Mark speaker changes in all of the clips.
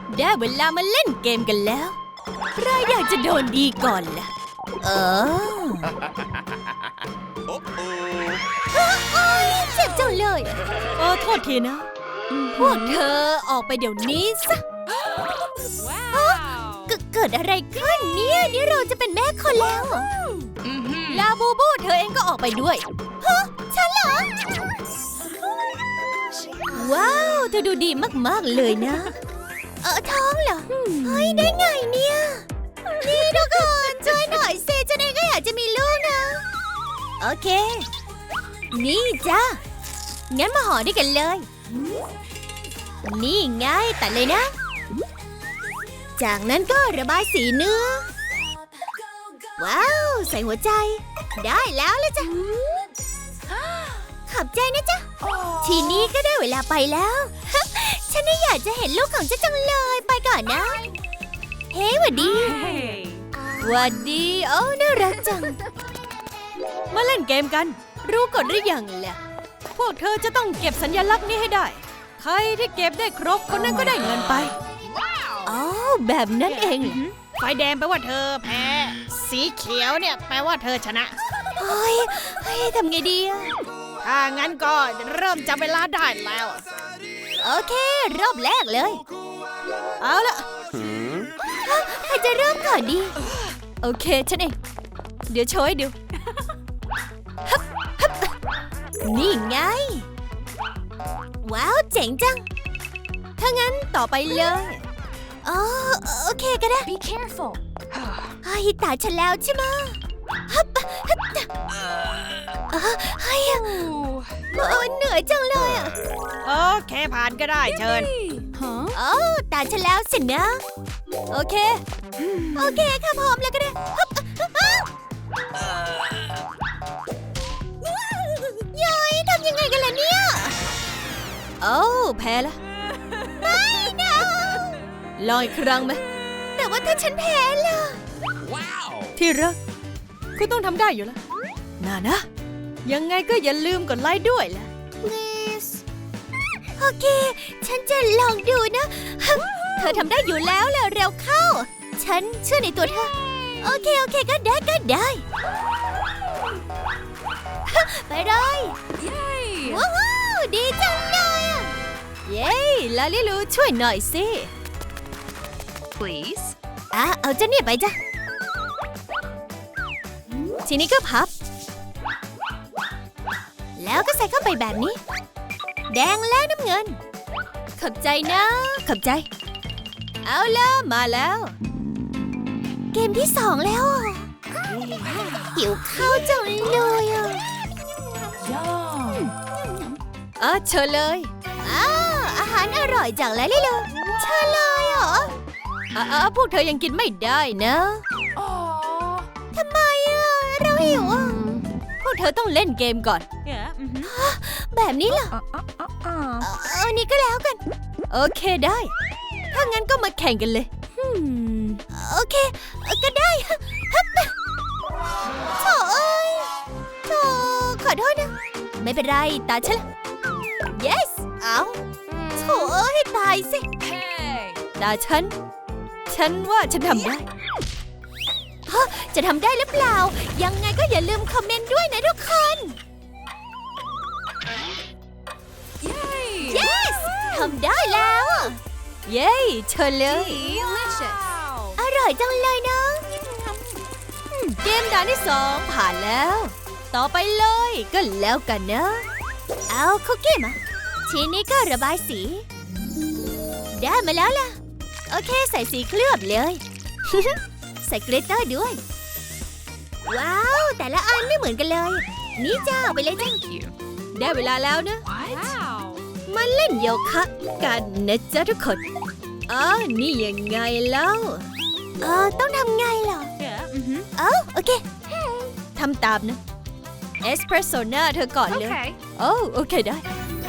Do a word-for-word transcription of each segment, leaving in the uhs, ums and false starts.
Speaker 1: ได้เวลามาเล่นเกมกันแล้วใครอยากจะโดนดีก่อนล่ะเออโอ้ยเจ็บจังเลยเออโทษทีนะพวกเธอออกไปเดี๋ยวนี้ซะเกิดอะไรขึ้นเนี่ยนี่เราจะเป็นแม่คนแล้วลาบูบูเธอเองก็ออกไปด้วยฮะฉันเหรอว้าวเธอดูดีมากๆเลยนะเออท้องเหรอเฮ้ยได้ไงเนี่ยนี่ทุกคนช่วยหน่อยสิฉันเองก็อยากจะมีลูกนะโอเคนี่จ้างั้นมาห่อด้วยกันเลยนี่ไงตัดเลยนะจากนั้นก็ระบายสีเนื้อว้าวใส่หัวใจได้แล้วละจ้ะขอบใจนะจ๊ะทีนี้ก็ได้เวลาไปแล้วฉันไม่อยากจะเห็นลูกของเจ้าจังเลยไปก่อนนะเฮ้ยหวัดดีหวัดดีโอ้น่ารักจังมาเล่นเกมกันรู้กฎหรือยังล่ะพวกเธอจะต้องเก็บสัญลักษณ์นี้ให้ได้ใครที่เก็บได้ครบคนนั้นก็ได้เงินไปอ๋อแบบนั้นเอง
Speaker 2: ไฟแดงแปลว่าเธอแพ้สีเขียวเนี่ยแปลว่าเธอชนะ
Speaker 1: เฮ้ยเฮ้ยทำไงดีอะ
Speaker 2: ถ้างั้นก็เริ่มจับเวลาได้แล้ว
Speaker 1: โอเครอบแรกเลยเอาละใครจะเริ่มก่อนดีโอเคฉันเองเดี๋ยวโชว์ให้ดูนี่ไงว้าวเจ๋งจังถ้างั้นต่อไปเลยอ๋อโอเคก็ได้
Speaker 3: Be careful
Speaker 1: เฮ้ยตาฉันแล้วใช่ไหมฮับฮับเฮ้ยเหนื่อยจังเลยอ่ะ
Speaker 2: โอเคผ่านก็ได้เชิญ
Speaker 1: อ๋อตาฉันแล้วสินะโอเคโอเคค่ะพร้อมแล้วก็ได้ย้อยทำยังไงกันล่ะเนี่ยโอ้แพ้ละไม่นะลองอีกครั้งไหมแต่ว่าถ้าฉันแพ้ล่ะที่รักคุณต้องทำได้อยู่แล้วน่านะยังไงก็อย่าลืมกดไลค์ด้วยล่ะ please โอเคฉันจะลองดูนะเธอทำได้อยู่แล้วล่ะเร็วเข้าฉันเชื่อในตัวเธอโอเคโอเคก็ได้ก็ได้ไปเลยว้าวดีจังเลยอ่ะเย้ลาลิลูช่วยหน่อยสิ
Speaker 3: please
Speaker 1: อ่ะเอาเจ้าเนี่ยไปจ้ะทีนี้ก็พับแล้วก็ใส่เข้าไปแบบนี้แดงและน้ำเงินขอบใจนะขอบใจเอาล่ะมาแล้วเกมที่สองแล้วหิวข้าวจังเลยอ่ะอ่ะเชิญเลยอ้าวอาหารอร่อยจังเลยลิลูเชิญเลยเหรออ่ะพวกเธอยังกินไม่ได้นะทำไมอ่ะเราหิวอ่ะพวกเธอต้องเล่นเกมก่อนแบบนี้เหรอเอาอันนี้ก็แล้วกันโอเคได้ถ้างั้นก็มาแข่งกันเลยโอเคก็ได้โถ่เอ้ยโถ่ขอโทษนะไม่เป็นไรตาฉันละ yes เอาโถ่เอ้ยตายสิตาฉันฉันว่าฉันทำได้ฮะจะทำได้หรือเปล่ายังไงก็อย่าลืมคอมเมนต์ด้วยนะทุกคน yes ทำได้แล้วเย้เชิญเลย
Speaker 3: delicious
Speaker 1: อร่อยจังเลยนะเกมด่านที่สองผ่านแล้วต่อไปเลยก็แล้วกันนะเอาคุกกี้มาทีนี้ก็ระบายสีได้มาแล้วล่ะโอเคใส่สีเคลือบเลย ใส่เกรตเตอร์ด้วยว้าวแต่ละอันไม่เหมือนกันเลยนี่จ้าไปเลยจ้าได้เวลาแล้วนะมาเล่นโยคะกันนะจ๊ะทุกคนอ๋อนี่ยังไงแล้วเออต้องทำไงเหรอเออโอเคทำตามนะเอสเพรสโซน่าเธอก่อนเลยโอ้โอเคได้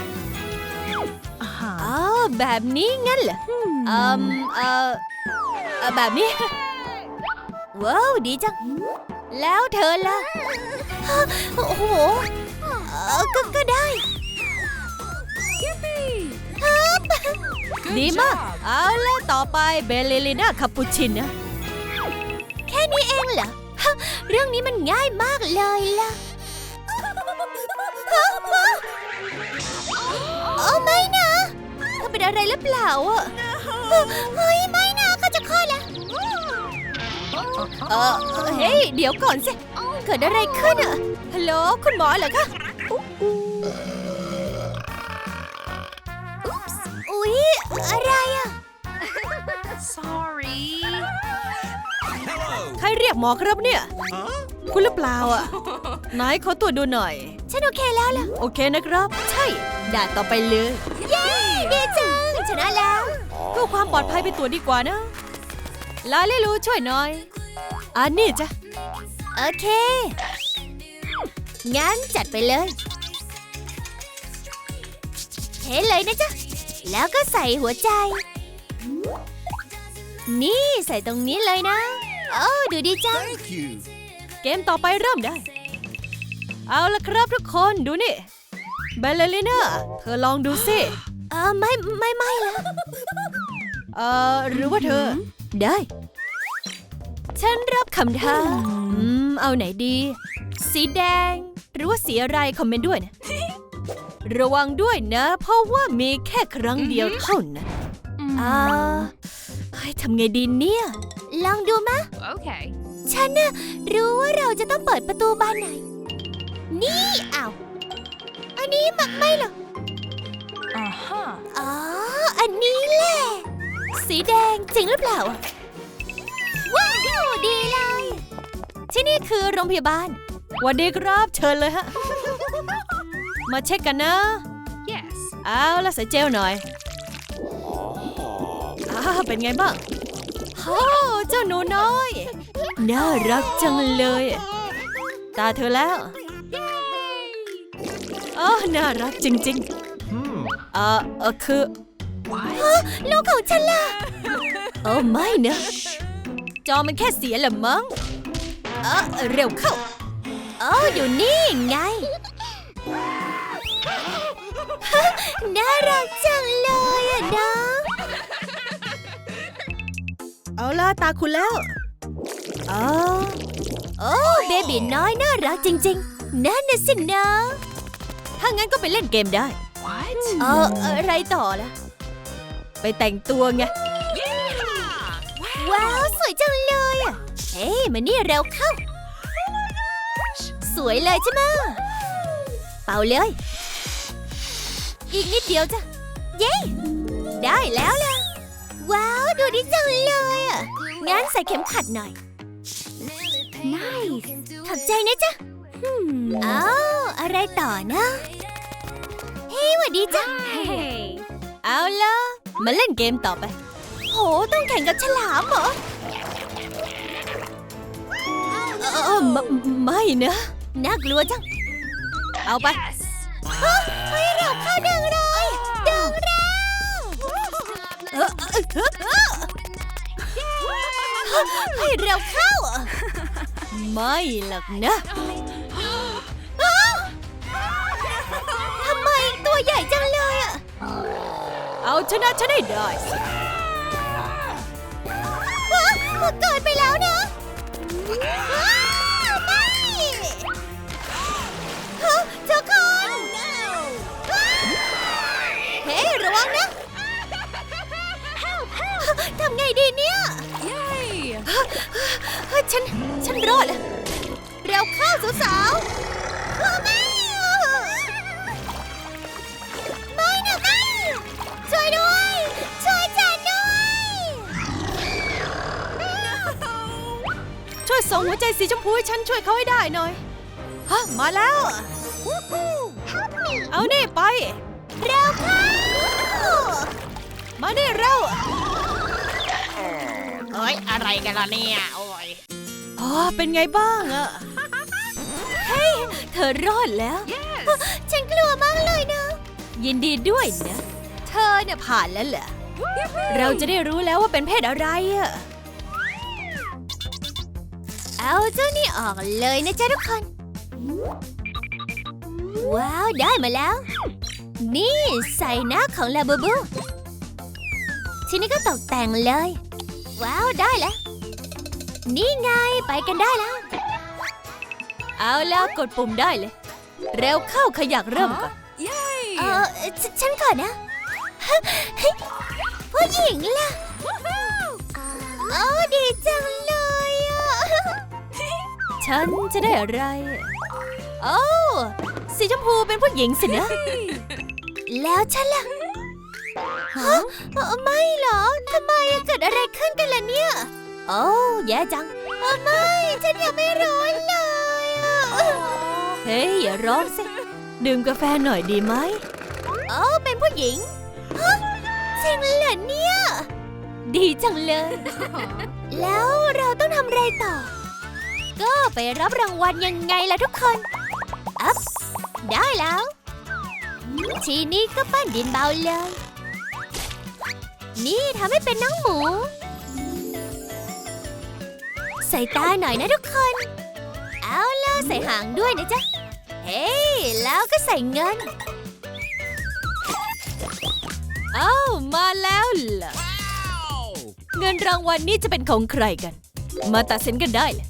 Speaker 1: อ๋อแบบนี้งั้นเหรออืมเออแบบนี้ว้าวดีจังแล้วเธอล่ะโอ้โหก็ก็ได้ดีมาก เอาละต่อไปเบลเลลิน่าคาปูชินนะแค่นี้เองเหรอฮะเรื่องนี้มันง่ายมากเลยล่ะฮะฮะโอ้ไม่นะเธอเป็นอะไรหรือเปล่าอ่ะเฮ้ยไม่นะเขาจะคลอดแล้วเออเฮ้ยเดี๋ยวก่อนสิเกิดอะไรขึ้นอ่ะฮัลโหลคุณหมอเหรอคะอุ๊ยอะไรอ่ะ
Speaker 3: Sorry.
Speaker 1: ใครเรียกหมอครับเนี่ย คุณหรือเปล่าอ่ะ ไหนขอตรวจดูหน่อย ฉันโอเคแล้วล่ะ โอเคนะครับ ใช่ด่าต่อไปเลย เย้ดีจังชนะแล้วเพื่อความปลอดภัยไปตรวจดีกว่านะ ลาลิลูช่วยหน่อย อันนี้จ้ะ โอเค งั้นจัดไปเลยเทเลยนะจ๊ะ แล้วก็ใส่หัวใจ นี่ใส่ตรงนี้เลยนะ โอ้ดูดีจัง
Speaker 4: Thank you.
Speaker 1: เกมต่อไปเริ่มได้ เอาละครับทุกคนดูนี่เบลเลลิน่าเธอลองดูสิเออไม่ไม่ไม่ละเออหรือว่าเธอ ได้ ฉันรับคำท้าอืมเอาไหนดี สีแดง หรือว่าสีอะไรคอมเมนต์ด้วยนะ ระวังด้วยนะ เพราะว่ามีแค่ครั้งเดียวเท่านั้นอ่าเฮ้ยทำไงดีเนี่ย ลองดูมะ
Speaker 3: Okay.
Speaker 1: ฉันน่ะรู้ว่าเราจะต้องเปิดประตูบานไหน นี่อ้าวอันนี้มักไม่เหรอ
Speaker 3: Uh huh.
Speaker 1: อ๋อ อันนี้แหละ สีแดงจริงหรือเปล่า ว้าวดีเลย ที่นี่คือโรงพยาบาลสวัสดีครับเชิญเลยฮะ มาเช็คกันนะ
Speaker 3: Yes.
Speaker 1: เอาละใส่เจลหน่อยอ้าเป็นไงบ้างโอ้เจ้าหนูน้อย น่ารักจังเลย ตาเธอแล้วอ๋อน่ารักจริงๆเออเออคือลูกของฉันล่ะโอ้ไม่นะจอมันแค่เสียละมั้งเออเร็วเข้าอ๋ออยู่นี่ไงน่ารักจังเลยอะนะเอาล่ะตาคุณแล้วอ๋อโอ้เบบีน้อยน่ารักจริงๆนั่นน่ะสินะถ้างั้นก็ไปเล่นเกมได้
Speaker 3: What?
Speaker 1: เอออะไรต่อล่ะไปแต่งตัวไงว้าวสวยจังเลยอ่ะเฮ้ยมานี่เร็วเข้าสวยเลยใช่ไหมเป่าเลยอีกนิดเดียวจ้ะเย้ได้แล้วล่ะว้าวดูดีจังเลยอ่ะงั้นใส่เข็มขัดหน่อย
Speaker 3: Nice.
Speaker 1: ขอบใจนะจ๊ะอ้าวอะไรต่อนะเฮ้ยหวัดดีจ้ะ
Speaker 3: Hey.
Speaker 1: เอาล่ะมาเล่นเกมต่อไปโหต้องแข่งกับฉลามเหรอเออไม่ไม่นะน่ากลัวจังเอาไปให้เราเข้าดึงเลยดึงเร็วเออเออเออเออให้เราเข้าไม่หรอกนะอ้าวทำไมตัวใหญ่จังเลยอ่ะเอาชนะฉันให้ได้สิเกิดไปแล้วนะอ้าวไม่ฮะเจ้าคนเฮ้ยระวังนะทำไงดีเนี่ย
Speaker 3: Yay.
Speaker 1: ฉัน ฉันรอดแล้วเร็วเข้าสาวๆไม่ไม่นะไม่ช่วยด้วย ช่วยฉันด้วย ช่วยส่งหัวใจสีชมพูให้ฉันช่วยเขาให้ได้หน่อยฮะมาแล้ว เอานี่ไป เร็วเข้า มานี่เร็ว
Speaker 2: เฮ้ย อะไรกันล่ะเนี่ย โอ้ย
Speaker 1: อ๋อเป็นไงบ้างอะเฮ้ย เธอรอดแล้ว
Speaker 3: Yes.
Speaker 1: ฉันกลัวมากเลยนะ ยินดีด้วยนะ เธอเนี่ยผ่านแล้วเหรอ เราจะได้รู้แล้วว่าเป็นเพศอะไรอะเอาเจ้านี่ออกเลยนะจ๊ะทุกคน ว้าว ได้มาแล้ว นี่ใส่หน้าของลาบูบูทีนี้ก็ตกแต่งเลย ว้าวได้แล้ว นี่ไงไปกันได้แล้ว เอาแล้วกดปุ่มได้เลย เร็วเข้าขยักเริ่มก่อน
Speaker 3: Yay!
Speaker 1: เออฉฉันก่อนนะผู้หญิงล่ะโอ้ดีจังเลยอ่ะ ฉันจะได้อะไรโอ้สีชมพูเป็นผู้หญิงสินะ แล้วฉันล่ะฮะเอ่อไม่เหรอทำไมอะเกิดอะไรขึ้นกันล่ะเนี่ยโอ้แย่จังเอ่อไม่ฉันยังไม่ร้อนเลยอะเฮ้ยอย่าร้อนสิดื่มกาแฟหน่อยดีไหมโอ้เป็นผู้หญิงฮะจริงเหรอเนี่ยดีจังเลย แล้วเราต้องทำอะไรต่อ ก็ไปรับรางวัลยังไงล่ะทุกคนอัพได้แล้ว ทีนี้ก็ปั้นดินเบาเลย นี่ทำให้เป็นน้องหมู ใส่ตาหน่อยนะทุกคน เอาล่ะใส่หางด้วยนะจ๊ะ เฮ้ยแล้วก็ใส่เงิน เอ้ามาแล้วเหรอ เงินรางวัลนี้จะเป็นของใครกัน มาตัดสินกันได้เลย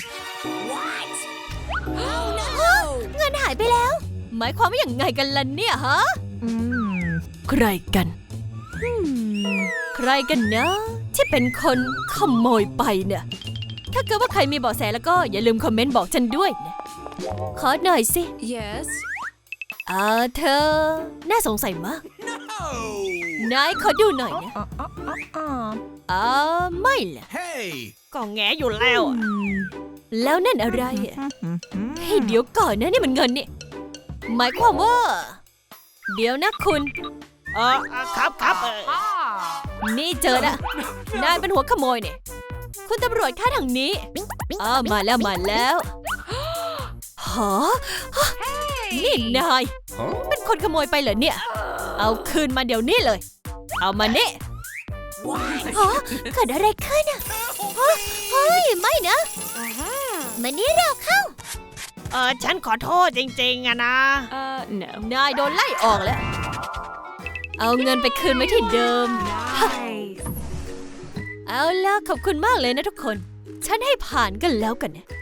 Speaker 1: เงินหายไปแล้ว หมายความว่าอย่างไงกันล่ะเนี่ยฮะ
Speaker 3: อืม
Speaker 1: ใครกันอืมใครกันนะที่เป็นคนขโมยไปเนี่ย ถ้าเกิดว่าใครมีเบาะแสแล้วก็อย่าลืมคอมเมนต์บอกฉันด้วยนะขอหน่อยสิ
Speaker 3: Yes.
Speaker 1: เออเธอ น่าสงสัยมาก นายขอดูหน่อยนะ
Speaker 3: Uh, uh, uh, uh.
Speaker 1: เออไม่ล่ะ
Speaker 4: Hey!
Speaker 2: ก็แงอยู่แล้วอะ
Speaker 1: แล้วนั่นอะไรอะเฮ้ยเดี๋ยวก่อนนะนี่มันเงินนี่ หมายความว่า เดี๋ยวนะคุณ
Speaker 2: เออเออครับครับเออ
Speaker 1: นี่เจอละนายเป็นหัวขโมยเนี่ยคุณตำรวจค่าทางนี้อ้าวมาแล้วมาแล้วฮะนี่นาย
Speaker 4: Huh?
Speaker 1: เป็นคนขโมยไปเหรอเนี่ย เอาคืนมาเดี๋ยวนี้เลย เอามานี่ฮะเกิดอะไรขึ้นอ่ะฮะเฮ้ยไม่นะมานี่เราเข้า
Speaker 2: เออฉันขอโทษจริงๆอะนะ
Speaker 3: Uh, no.
Speaker 1: นายโดนไล่ออกแล้ว เอาเงินไปคืนไว้ที่เดิม
Speaker 3: Nice.
Speaker 1: เอาล่ะขอบคุณมากเลยนะทุกคน ฉันให้ผ่านกันแล้วกันนะ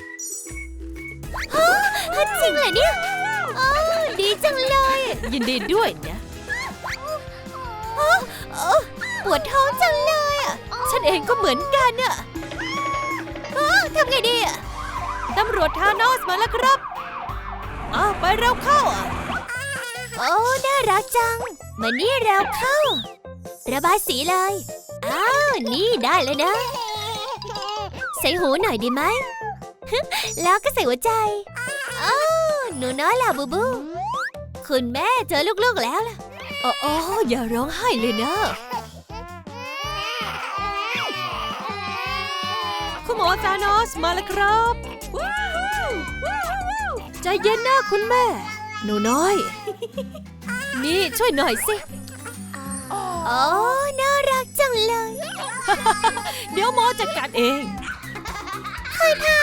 Speaker 1: ฮะจริงเหรอเนี่ยโอ้ดีจังเลย ยินดีด้วยนะฮะโอ้ปวดท้องจังเลยอ่ะ ฉันเองก็เหมือนกันอ่ะอ้าวทำไงดีอ่ะ ตำรวจทานอสมาแล้วครับอ้าวไปเร็วเข้าอ่ะโอ้น่ารักจัง มานี่เร็วเข้า ระบายสีเลย อ้าว นี่ได้เลยนะ ใส่หูหน่อยดีไหม แล้วก็ใส่หัวใจ อ้าว หนูน้อยล่ะบูบู คุณแม่เจอลูกๆแล้วล่ะโอ้โอ้อย่าร้องไห้เลยนะ คุณหมอซานอสมาแล้วครับใจเย็นนะคุณแม่ หนูน้อย นี่ช่วยหน่อยสิ โอ้น่ารักจังเลย เดี๋ยวหมอจัดการเองค่ะค่ะ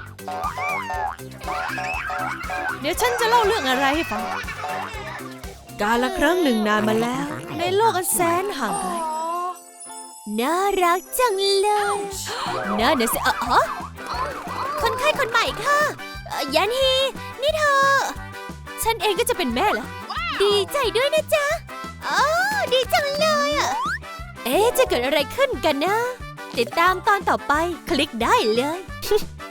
Speaker 1: เดี๋ยวฉันจะเล่าเรื่องอะไรให้ฟัง กาลครั้งหนึ่งนานมาแล้ว ในโลกอันแสนห่างไกล น่ารักจังเลยน่าเดี๋ยวสิเออฮะคนไข้คนใหม่ค่ะเอ่อยันฮี นี่เธอ ฉันเองก็จะเป็นแม่แล้ว ดีใจด้วยนะจ๊ะอ๋อดีจังเลยอ่ะ เอ๊ะจะเกิดอะไรขึ้นกันนะ ติดตามตอนต่อไปคลิกได้เลย